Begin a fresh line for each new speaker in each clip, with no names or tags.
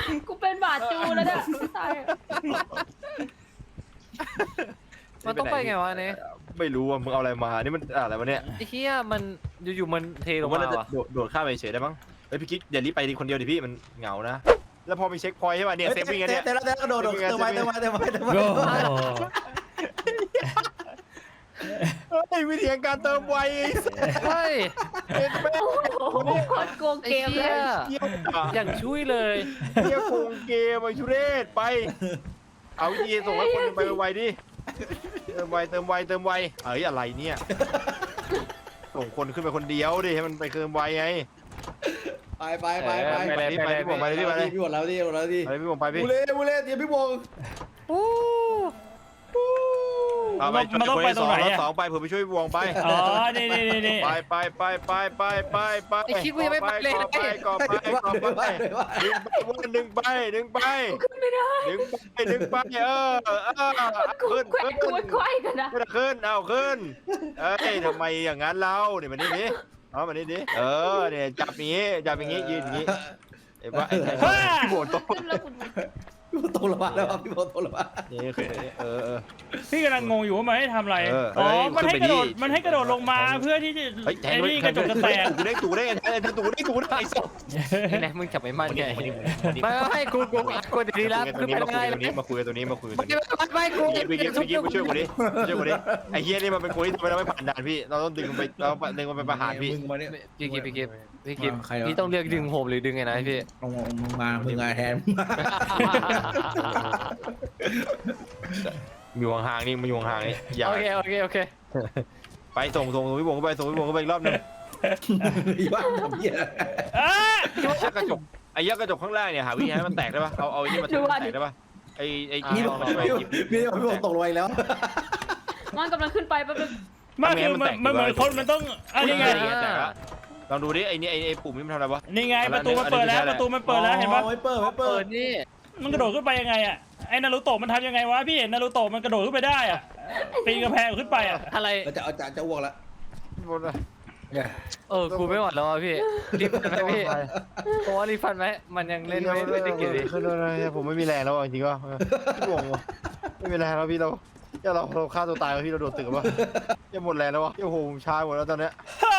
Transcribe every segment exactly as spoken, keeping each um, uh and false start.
กูเป็นบาดจูแล้วเนี่ยตาย
มันต้องไปไงวะเนี่ย
ไม่รู้ว่ามึงเอาอะไรมานี่มันอะไรวะเนี่ย
ไอ้เหี้ยมันอยู่ๆมันเทล
ผ
ง
มว่า
มา
น่าจะ
ว่ะ
โดดโดดข้ามไปเฉยได้มั้งเฮ้ยพี่กิ๊กอย่ารีบไปดิคนเดียวดิพี่มันเหงานะแล้วพอมีเช็คพอยต์ใช่ป่ะเนี่ยเซฟวิ่งเนี่ย
เตะแล้วเตะแล้วกระโดดเติมไว้เติมไว้เติมไว้เติมไว้
โอ้
เฮ้ยวิธีการเติมไว
เฮ้ย
โอ้โหโคตรโกง
ไอ้
เกมเล
เหี้
ย
ย
เยี่ยมอ่ะ
อย่างช่วยเลย
เยี่ยมโกงเกมไอ้ชุเรศไปเอาวิธีส่งให้คนไปไวๆดิเติมไวเติมไวเติมไวเอ้ยอะไรเนี่ยส่งคนขึ้นไปคนเดียวดิให้มันไปเติมไวไง
ไปไปไปไป
ไปเลยไปเลยพี่บงไปเลยพี่ไปเลย
พี่หมดแล้วพี่หมดแล้วพี่
ไปพี่บงไปพี่
บูเล่บูเล่เดี๋ยวพี่บง
เอาไปช่วยคนที่สองแล้วสองไปผมไปช่วยบงไป
อ๋อนี่นี่นี่นี่
ไปไปไปไปไปไปไป
ไอ้คิดกูยังไม่ไปเลย
ก่อไปก่อไปก่อไปดึงไปดึงไปดึงไปดึงไปเออเออ
กู
ขึ้น
แขว
ขึ้
น
น
กูควายกันนะ
ขึ้นเอาขึ้นเอ้ยทำไมอย่างนั้นเราเนี่ยมันนี่ดิเอามันนี่ดิเออเนี่ยจับอย่างงี้จับอย่างงี้ยืนอย่างงี้ไอ้บ้าไอ้พี่โบนโต
ขึ้นแล้วคุณ
พี่บงตกลงมาแล้วพี่บงตกลงมา
นี่คือเออเออ
พี่กำลังงงอยู่ว่ามันให้ทำอะไร
เออ
อ๋อ
เฮ้ย
มันให้
ขึ้
ก
น
ระ
ไป
โดด
ดิ
มันให้กระโดดลงมาเพื่อที่จะ
เฮ้ยแท
ไอ้
ง
นี่กระจกจะแตก
ตูได้ตูได้ไอ้ตูได้ตูได้ไอ้สัส
ไอ้แน็กมึงจับไอ้มันไงไม่ให้กูกูกูดีแล้ว
ตร
คือง
นี้
เป็น
มาคุ
ไง
ยตรงนี้มาคุยตรงนี้มาคุยตรง
ไม่
นี้
ไม่กู
พี่กิ๊กพี่กิ๊กพี่กิ๊กมาช่วยกูดิช่วยกูดิไอ้เฮียนี่มันเป็นคนที่ทำไมเราไม่ผ่านด่านพี่เราต้องดึงไปเราดึงมันไปประหารพี่
มึงมาเนี่ย
พี่กิฟพี่กิฟพี่กิฟพี่ต้องเลือกดึงโฮมหรือดึงไงนะพี่
ลงมึงมามึงมาแทน
มีวงห่างนี่มีวงห่างนี่อย่า
โอเคโอเคโอเค
ไปส่งส่งพี่บงไปส่งพี่บงไปอีกรอบนึง
อีบ้าทำเหี้ย
อ่ะ
ยักกระจกไอ้ยักกระจกข้างล่างเนี่ยหาวิธีให้มันแตกได้ปะเอาเอาไอ้นี่มาแตกได้ปะไอ้ไอ้
พี่
นี่
บ
ล
ง
องลองไป
พี่บงพี่บงตกลงไปแล้ว
มันกำลังขึ้นไปแป๊บนึง
มันคือมันมันเหมือนคนมันต้องอันนี้ไง
ลองดูดิไอ้นี่ไอ้ไอ้ปุ่มนี่มันทำอะไรวะ
นี่ไงประตูมันเปิดแล้วประตูมันเปิดแล้วเห็นปะ
ไม่เปิดไม่เปิ
เปิ
ด
ดนี่
มันกระโดดขึ้นไปยังไงอ่ะไอ้นารูโตะมันทำยังไงวะพี่เห็นนารูโตะมันกระโดดขึ้นไปได้อ่ะปีนกระแพงขึ้นไปอ่ะ
อะไร
จะเอาจะจะอ้วกแล้ว
เออกูไม่ไหวแล้วอ่ะพี่รีบฟันไหมพี่เพราะว่ารีบฟันไหมมันยังเล่นไม่ไม่ได้เกี่ยวดิ
คืออะไรผมไม่มีแรงแล้วจริงๆก็พี่บงไม่มีแรงแล้วพี่เราเราเราฆ่าตัวตายแล้วพี่เราโดดตึกวะยังหมดแรงแล้ววะโอ้โหชาหมดแล้วตอนเนี้ย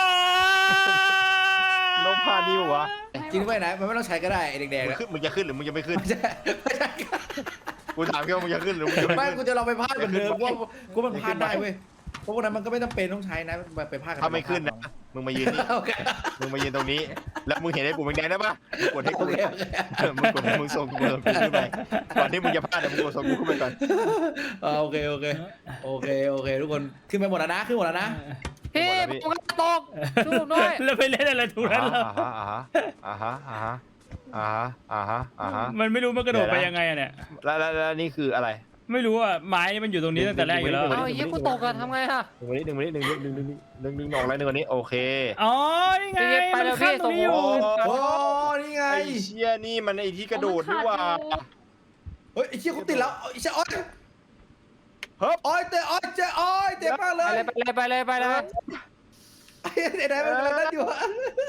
น้องพาดีวะ
จริงไปไหนมันไม่ต้องใช้ก็ได้แดง
มึง
ๆ
ขึ้นมึงจะขึ้นหรือมึงจะไม่ขึ้น
ไม่ใช่ไม่ใช่
กูถามแค่ว่ามึงจะขึ้นหรือมึงจะไม่
ไม่
ขึ้น
กูจะลองไปพาดกันเดิมว่ากูมันพาดได้เว้ยเพราะวันนั้นมันก็ไม่จำเป็นต้องใช้นะไปพาดกัน
ถ้าไม่ขึ้นนะมึงมายืนนี่
โอเค
มึงมายืนตรงนี้ แล้วมึงเห็นไอ้ปุ่มแดงได้ปะมึงกดให้
โอ
กู
เคโอเค
มึงกดมึงส่งกูส่งกูขึ้นไปก่อนที่มึงจะพลาดมึงกดส่งกูขึ้นไปก่อน
โอเคโอเคโอเคโอเคทุกคนขึ้นไปหมดแล้วนะขึ้นหมดแล้วนะ
พี่ผมก็ตกช่วยผมด้วย
แล้วไปเล่นอะไรทุกนั้นแล้ว
อ่าฮะอ่าฮะอ่าฮะอ่าฮะอ่าฮะอ่าฮะ
มันไม่รู้มันกระโดดไปยังไงอ่ะเนี่ย
แล้วแล้วนี่คืออะไร
ไม่รู้อ่ะไม้มันอยู่ตรงนี้ตั้งแต่แรกอยู่แล้ว
เอาไอ้เหี้ยกูตกอะทำไงฮะ
หนึ่งวันนี้หนึ่งวันนี้หนึ่งหนึ่งหนึ่งหนึ่งหนึ่งหนึ่งออกอะไรหนึ่งวันนี้โอเค
อ๋อนี่ไง
ไปแล้ว
มันข้ามตรงนี้อยู่
โอ้นี่ไง
ไอ้เชี่ยนี่มันไอ้ที่กระโดดนี่ว่า
เฮ้ยไอ้เชี่ยกูติดแล้วไอ้เชี่ยอ้อย
เฮ้ย
อ้อยเตะอ้อยเจ๊อ้อยเจ็บมากเล
ไป
ย
เลยไปเลยไปเลยไปเลย
ไอ้ไอ้ไหนมันกำลังนั่นอยู่อะ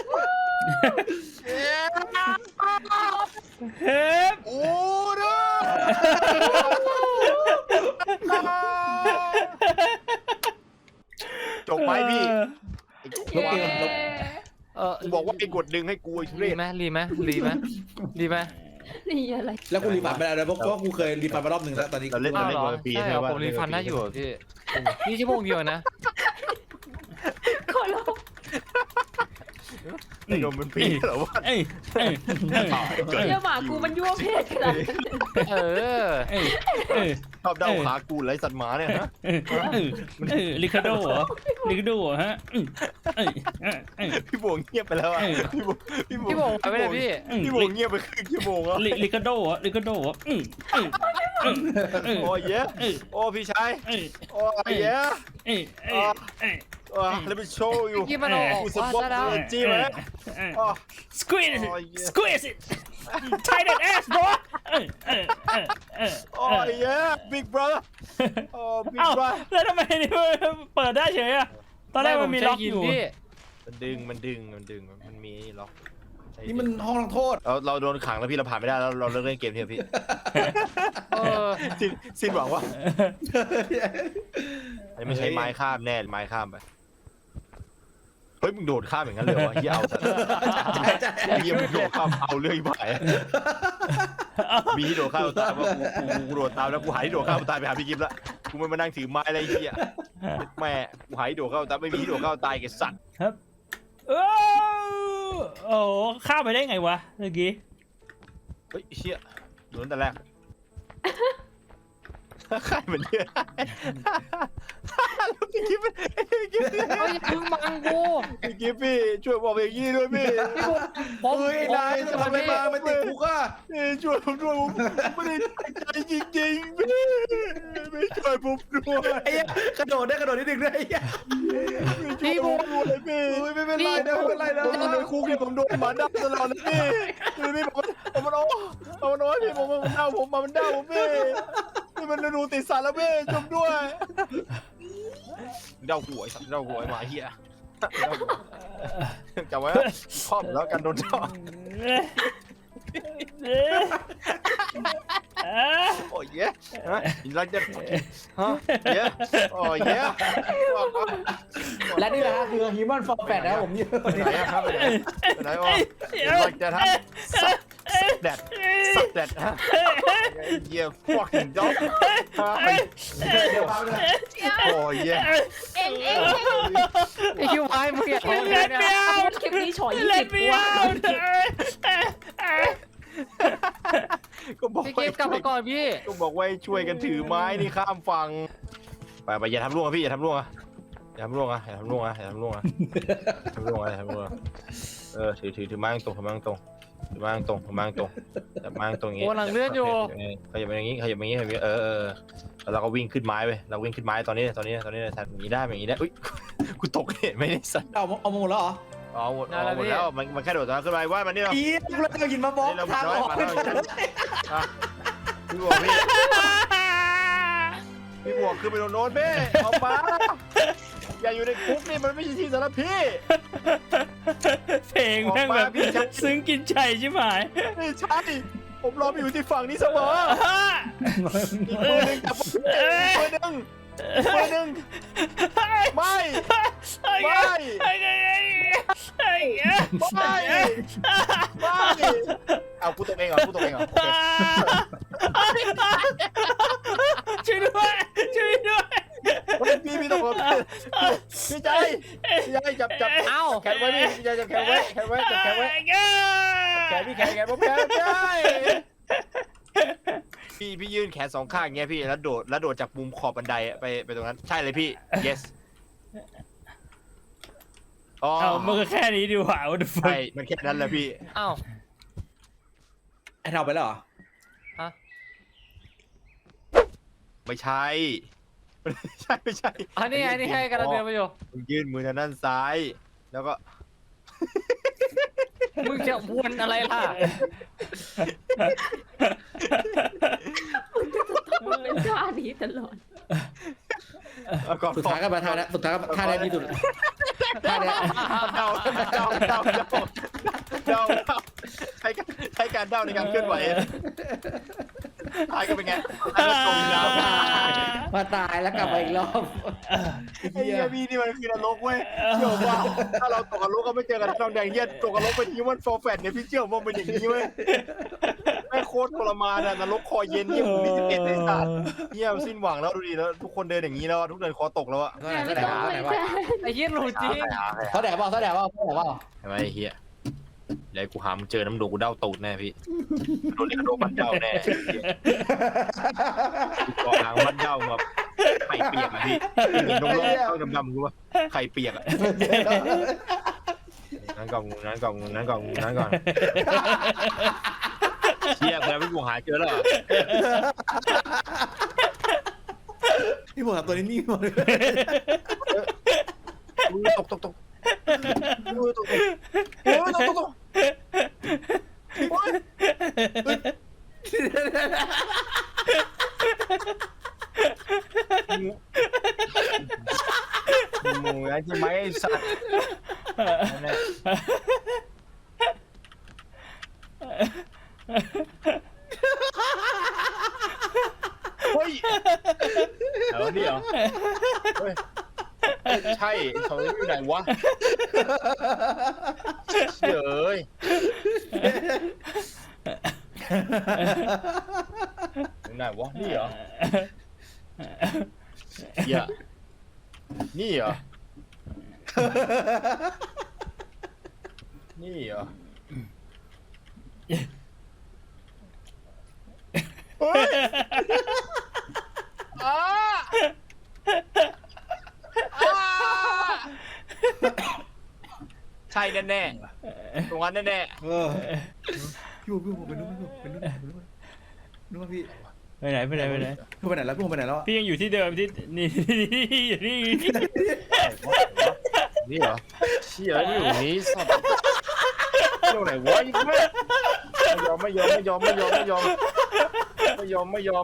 เฮ้ย
โอ้เด้จบไปพี่
ลบเกมลบ
เออ
กูบอกว่าไอ้กดดึงให้กูไอ้ทุเร
รี
ศ
ไหมรีไหมรีไหมรีไหม
นี่อะไร
แล้วกูรีฟันไม่ได้เลยเพราะว่ากูเคยรีฟันมารอบหนึ่งแล้วตอนนี้
เราเล่น
อ้า
เรา
ว
เล่น
เหรอ
ปี
ใช่
ใช่
เหรอ
ไหม
ผมรีฟันได้อยู่เหรอพี่นี่ชั่วโมงเดียวนะ
ขอร้อง
ไอ้โดนเป็นปีเหรอวะ
เอ้ยเอ้ยเอ้ย
เยี่ยหมากูมันยั่วเพศขนาดนั้น
เออ
เอ้ยเอ้ย
ชอบเด้าขากูไรสัตว์หมาเนี่ยนะ
เอ้ยเอ้ยเอ้ยลิคาโดเหรอลิคาโดเหรอฮะเอ้ยเอ้ยเอ้ยเอ้ย
พี่บวงเงียบไปแล้วอ่ะพี่บวงพี่บวง
พี่บอกไปเลยพี่
พี่บวงเงียบไปครึ่งชั่วโมงแล้ว
ลิลิคาโดเหรอลิคาโดเหรอเอ้ยเอ้ยเอ้ยเอ้ย
โอ้ยเย้
เอ้ย
โอ้พี่ชาย
เอ้ย
โอ้ยเย้
เอ้ยเอ้ยเอ้ย
let me show you
พี่มันออก
กูสปอร์ต
แล้ว
เลยจี้ไหมอ๋อ
squeeze it
โอ้ยเย้
squeeze it tight that ass bro เอ้ยเอ้ยเอ้ยเอ้ย
โอ้ยเย้ big brother โอ้ big
เอ้า
brother
แล้วทำไมนี่มันเปิดได้เฉยอะตอนแรกมันมีล็อกอยู่
พี่
มันดึงมันดึงมันดึงมันมีล็อกใช้
นี่มันห้องลงโทษ
เราเราโดนขังแล้วพี่เราผ่านไม่ได้แล้วเราเลิกเล่นเกมเถอะพี่เออสิ้นสิ้นหวังว่าไม่ใช่ไม้ข้ามแน่ไม้ข้ามไปเฮ้ยมึงโดดข้ามอย่างนั้นเลยวะเฮียเอาซะเฮียมึงโดดข้ามเอาเรื่อยไปมีที่โดดข้ามตายว่ากูกูโดดตามแล้วกูหายที่โดดข้ามตายไปหาพี่กิฟต์ละกูไม่มานั่งถือไม้อะไรเฮียแม่กูหายที่โดดข้ามตายไม่มีที่โดดข้ามตายแกสัตว์
ครับเออโอ้โหข้ามไปได้ไงวะเมื่อกี้
เฮ้ยเชี่ยโดนแต่แรกใครเหมือนเดิมแล้วพี่กิฟต์พี่กิฟต์
เฮ้ยมึงบังกู
พี่กิฟต์พี่ช่วยบอกอย่างนี้ด้วยพี่
ผม
เฮ้ยนายจะทำอะไรมาไม่ติดคุกอ่ะ
พี่ช่วยผมด้วยผมไม่ได้ตั้งใจจริงๆพี่ไม่ช่วยผมด้วย
ไอ้กระโดดได้กระโดดนิดนึงได้
พี่ผมด้วยพี่
ไม่เป็นไรนะไม่เป็นไรนะ
ผมโดนคุกที่ผมโดนหมาดับตลอดนะพี่พี่ผมผมมันโอ้ผมมันโอ้พี่ผมมันเดาผมมันเดาผมพี่พี่มันดูติดสารแล้วพี่จมด้วยเดาหวยสัตว์เดาหวยหมาเหี้ยจำไว้ครอบแล้วกันโดนเจาะ
เอ๊ะเอ๊ะ
โอ้ยเย้ฮะเราจะฮะเย้โอ้ยเย้
และนี่แหละคือ Human for Fat นะครับผมนี่
ไหนครับไหนไหนวะเราจะทำสัตว์แดดสัตว์แดดฮะเย้ fucking dog โอ้ยเย้
เอ็งเอ็ง
ไอ้คิวไอ้มึงอย่า
เอ็ง
ทำ
เอ็ง
เนี่ย
คลิปนี้ฉอยยี่
เล่
สิ
น
บ
ไม่
ตัว
เอา
ก็บอก
พี่เกมกลับมาก่อนพี่
ก็บอกว่าช่วยกันถือไม้นี่ข้ามฝั่งไปไปอย่าทำร่วงพี่อย่าทำร่วงอ่ะอย่าทำร่วงอ่ะอย่าทำร่วงอ่ะอย่าทำร่วงอ่ะทำร่วงอ่ะทำร่วงเออถือถือถือไม้ตรงถือไม้ตรงถือไม้ตรงถือไม้ตรงจับไม้ตรงอย่างงี้
โอ้หลังเลื่อนอยู่
ขยับไปอย่างงี้ขยับไปอย่างงี้ขยับไปเออเออแล้วเราก็วิ่งขึ้นไม้ไปเราวิ่งขึ้นไม้ตอนนี้ตอนนี้ตอนนี้ทันอย่างนี้ได้อย่างนี้ได้อุ้ยกูตกเนี่ยไม่ได้สั่น
เอาเอาหมดแล้วเหรอ
อ๋อหมดอ๋อหมดแล้วมันมันแค่โดดตอนขึ้นไปว่ามันนี่เรา
อีกแล้วจะหินมาบล็อกทางออก
พี่บวกพี่พี่บวกขึ้นไปโดนโน้ตพี่ออกมาอย่าอยู่ในคุกนี่มันไม่ใช่ที่สำหรับพี่
เพลงแม่งแบบซึ้งกินใจใช่ไหม
ไม่ใช่ผมรอไปอยู่ที่ฝั่งนี้เสมออีกมือหนึ่งจับมือหนึ่งมือหนึ่งไม่ไม่ไม่ไม่เอากูตกเองเหรอกูตกเองเหรอ
ช่วยด้วยช่วยด้วย
พี่พี่ตกพี่ใจพี่ใจจับจับ
เอ้า
แขนไว้พี่พี่ใจจับแขนไว้แขนไว้จับแขนไว้แขนพี่แขนแขนผมแขนไม่ได้พี่พี่ยื่นแขนสองข้างอย่างเงี้ยพี่แล้วโดดแล้วโดดจากมุมขอบบันไดไปไปตรงนั้นใช่เลยพี่ yes อ๋อ
เอามันก็แค่นี้ดีกว่า what the
ใช่
fuck
มันแค่นั้นแหละพี่
เอ้า
ไอ้เราไปแล้วเหรอ
ฮะ
ไม่ใช่ไม่ใช่ไม่ใช่
อันนี้ไงนี่ให้กำลังเดินไปอยู่
มึงยื่นมือทางด้านซ้าย แล้วก็
มึงจะวนอะไรล่ะ
มันเป็นท่านี้ตลอด
แล้วก็
สุดท้ายก็มาท่านะสุดท้ายก็ท่าแรกที่สุดท่าเนี้ย
เดาเดาเดาเดาเดาเดาใช้การใช้การเดาในการเคลื่อนไหวทายก็เป็นไงแล้วก็ตรงแล้ว
มาตายแล้วกลับมาอีกรอบ
ไอ้เหี้ยพี่นี่มันคือนรกเว้ยเชื่อว่าถ้าเราตกนรกก็ไม่เจอกันทองแดงเหี้ยตกนรกเป็นฮิวแมนฟอร์แฟตเนี่ยพี่เชื่อว่าเป็นอย่างนี้เว้ยแม่โคตรทรมานอะนรกคอเย็นเหี้ยผมมีสิบเอ็ดในศาสตร์เหี้ยสิ้นหวังแล้วดูดิแล้วทุกคนเดินอย่างนี้แล้วทุกเดินคอตกแล้วอะ
เท่าไหร่เท่าไหร่วะ
ไอ้เหี้ยหลุดจริง
เท่าไหร่วะเท่าไหร่วะเท่าไหร่วะ
ทำไมไอ้เหี้ยเดี๋ยวกูหามึงเจอน้ำโดกูเด้าตูดแน่พี่โดนเรียกโดนมันเด้าแน่กูก่อหลังมันเด้ามาไข่เปียกอะพี่เห็นนมๆเข้าดำๆกูว่าไข่เปียกอะนั้นก่อนนั้นก่อนนั้นก่อนนั้นก่อนเชี่ยแล้วพี่กูหาเจอแล้ว
พี่ผมทำตัวนี้นิ่งหมดเลย
ตกตกตกตกตกโอ้ยตกตกตกโอ้ยหมูไอ้ที่ไม้สัตว์เฮ้ยเอานี่เหรอเฮ้ยใช่ไอ้ชอยอยู่ไหนวะเฉยอยู่ไหนวะนี่เหรอเหี้ยนี่เหรอนี่เหรอเฮ้ยอ้าอ้าใช่แน่ๆตรงนั้นแน่
เออพี่ผมพี่ผมไปนู่นพี่ผมไปนู่นไปนู่นนู่นพี่
ไปไหนไปไหนไปไหน
พี่ไปไหนแล้วพี่ผมไปไหนแล้ว
พี่ยังอยู่ที่เดิมที่นี่อยู่นี่
ๆนี่เหรอเชี่ยแล้วอยู่นี้สัตว์เที่ยวไหนวะยิ่งไม่ไม่ยอมไม่ยอมไม่ยอมไม่ยอมไม่ยอมไม่ยอมไม่ยอม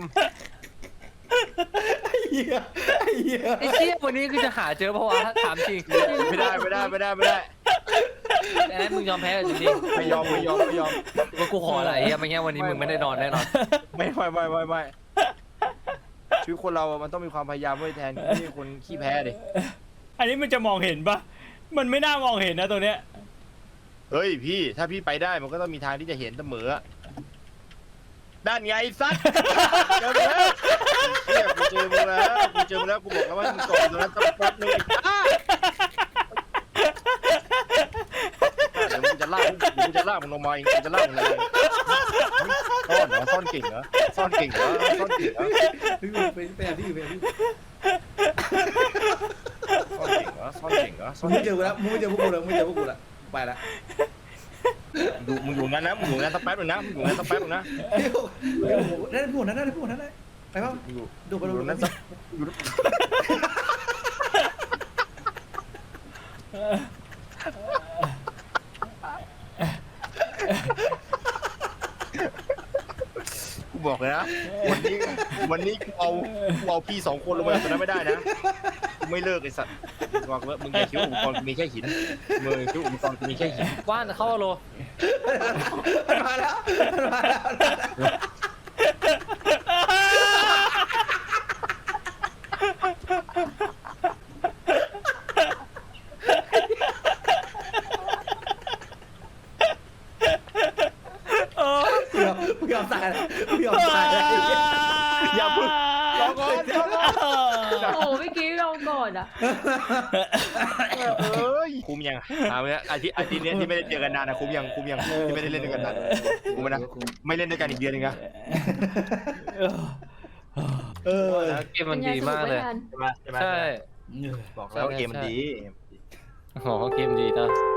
ไอ้เหี้ยไอ้เหี้ย
ไอ้เชี่ยวันนี้คือจะหาเจอเพราะว่าถามจริง
ไม่ได้ไม่ได้ไม่ได้ไม่ได้
แอนมึงยอมแพ้จริง
ไม่ยอมไม่ยอมไม่ยอม
ๆว่ากูขออะไรอ่ะไม่งั้นวันนี้มึงไม่ได้นอนแน่นอน
ไม่ไม่ไม่ไม่ไม่ชีวิตคนเราอะมันต้องมีความพยายามไว้แทนที่คนขี้แพ้ดิ
อันนี้มันจะมองเห็นปะมันไม่น่ามองเห็นนะตรงเนี้ย
เฮ้ยพี่ถ้าพี่ไปได้มันก็ต้องมีทางที่จะเห็นเสมอด้านไงซัดเจอแล้วเนี่ยกูเจอมึงแล้วกูเจอมึงแล้วกูบอกแล้วว่ามึงเกาะอยู่ตรงนั้นสักแป๊บนึงอ้าเดี๋ยวมึงจะลากมึงจะลากมึงลงมาเองมึงจะลากมึงลงมาซ่อนเหรอซ่อนเก่งเหรอซ่อนเก่งเหรอซ่อนเก่งเหรอ
พี่ผมไปไปหาพี่ไปหาพี่
ซ่อนเก่งเหรอซ่อนเก่งเหรอซ่
มึ
อง น
ไม่
เก่ง
เจอกูแล้วมึงไม่เจอพวกกูแล้วมึงไม่เจอพวกกูแล้วไปละ
ดูมึงอยู่งั้นนะมึงอยู่งั้นสักแป๊บนึงนะมึงอยู่งั้นสักแป๊บนึงนะ
พี่ผมได้พี่ผมนั้นได้พี่ผมนั้นได้ไปป่ะ
มึงอยู่
ดูไป
อ
ดู
ยู่
ไป
งั้นสักกูบอกเลยนะวันนี้วันนี้กูเอากูเอาพี่สองคนลงมาจากตรงนั้นไม่ได้นะกูไม่เลิกไอ้สัตว์กูบอกเลยมึงอย่าคิดว่าอุปกรณ์กูมีแค่หินมึงอย่าคิดว่าอุปกรณ์กูมีแค่หิน
ว่านเข้าโล
มาแล้วมาแล้ว
เออ
กูยอมกูยอมตายแล้วกูยอมตายแล้ว
อย่าพึ่งรอก่อนรอก่อน
โอ้เมื่อกี้เราก่อนอ่ะ
เอ้ยคุ้มยังเอาเนี่ยอาทิตย์อาทิตย์เนี้ยที่ไม่ได้เจอกันนานนะคุ้มยังคุ้มยังที่ไม่ได้เล่นด้วยกันนานคุ้มไหมนะไม่เล่นด้วยกันอีกเดือนนึงนะ
เออ
เกมมันดีมากเลย
ป็นไงสนุไห
ใช่ไหมใช่ไหม
ใช่
บอกแล้วเกมมันดี
อ๋อเกมดีนะ